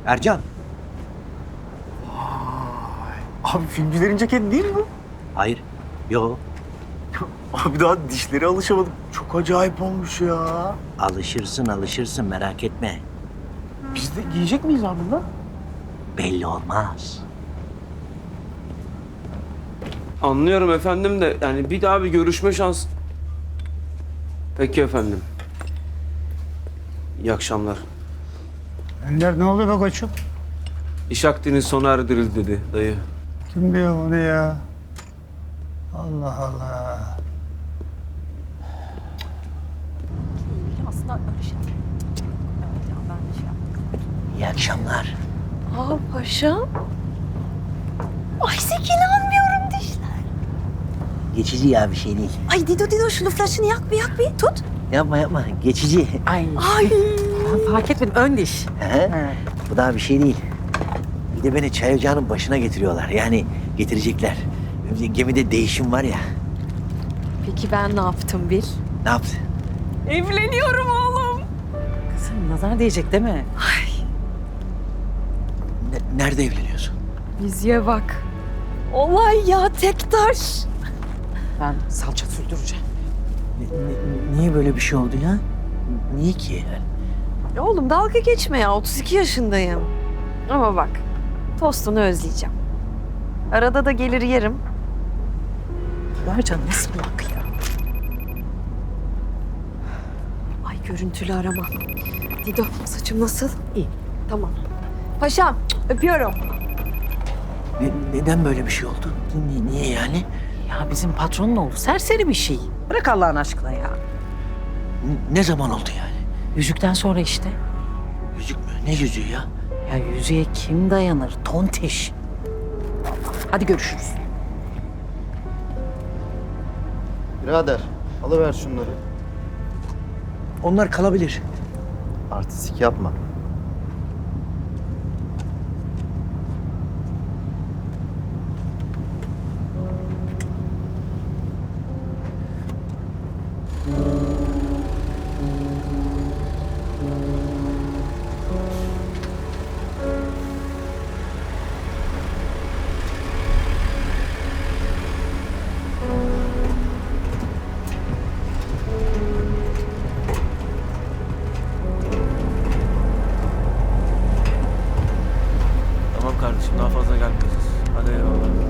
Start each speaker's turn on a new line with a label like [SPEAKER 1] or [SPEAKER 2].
[SPEAKER 1] Ercan.
[SPEAKER 2] Abi filmcilerin ceketi değil mi bu?
[SPEAKER 1] Hayır. Yo.
[SPEAKER 2] Abi daha dişleri alışamadım. Çok acayip olmuş ya.
[SPEAKER 1] Alışırsın merak etme.
[SPEAKER 2] Biz de giyecek miyiz abi bunu?
[SPEAKER 1] Belli olmaz.
[SPEAKER 3] Anlıyorum efendim de yani bir daha bir görüşme şans... Peki efendim. İyi akşamlar.
[SPEAKER 4] Ender ne oluyor be koçum?
[SPEAKER 3] İş akdiniz sona erdirildi dedi dayı.
[SPEAKER 4] Kim diyor bunu ya? Allah Allah.
[SPEAKER 5] Aslında öyle şey. Evet ya ben de şey yaptım.
[SPEAKER 1] İyi akşamlar.
[SPEAKER 5] Aa paşam. Ay Zeki inanmıyorum dişler.
[SPEAKER 1] Geçici ya bir şey değil.
[SPEAKER 5] Ay Dido şunu flaşını yak bir tut.
[SPEAKER 1] Yapma. Geçici.
[SPEAKER 6] Ay
[SPEAKER 5] Ay.
[SPEAKER 6] fark etmedim ön diş.
[SPEAKER 1] He? Bu daha bir şey değil. Bir de beni çay ocağının başına getiriyorlar. Yani getirecekler. Gemide değişim var ya.
[SPEAKER 5] Peki ben ne yaptım Bil?
[SPEAKER 1] Ne yaptı?
[SPEAKER 5] Evleniyorum oğlum.
[SPEAKER 6] Kızım nazar değecek değil mi?
[SPEAKER 1] Nerede evleniyorsun?
[SPEAKER 5] Yüzüğe bak. Olay ya tek taş.
[SPEAKER 6] Ben salça sürdüreceğim.
[SPEAKER 1] Niye böyle bir şey oldu ya? Niye ki?
[SPEAKER 5] Oğlum dalga geçme ya 32 yaşındayım. Ama bak tostunu özleyeceğim. Arada da gelir yerim.
[SPEAKER 6] Mercan nasıl bak ya?
[SPEAKER 5] Ay görüntülü arama. Dido saçım nasıl?
[SPEAKER 6] İyi.
[SPEAKER 5] Tamam. Paşam öpüyorum.
[SPEAKER 1] Neden böyle bir şey oldu? Niye yani?
[SPEAKER 6] Ya bizim patronun oğlu serseri bir şey. Bırak Allah'ın aşkına ya.
[SPEAKER 1] Ne zaman oldu yani?
[SPEAKER 6] Yüzükten sonra işte.
[SPEAKER 1] Yüzük mü? Ne yüzüğü ya?
[SPEAKER 6] Ya yüzüğe kim dayanır? Tontiş. Hadi görüşürüz.
[SPEAKER 7] Birader, alıver şunları.
[SPEAKER 1] Onlar kalabilir.
[SPEAKER 7] Artistik yapma.
[SPEAKER 3] Tamam kardeşim daha fazla gelmeyeceğiz. Hadi eyvallah.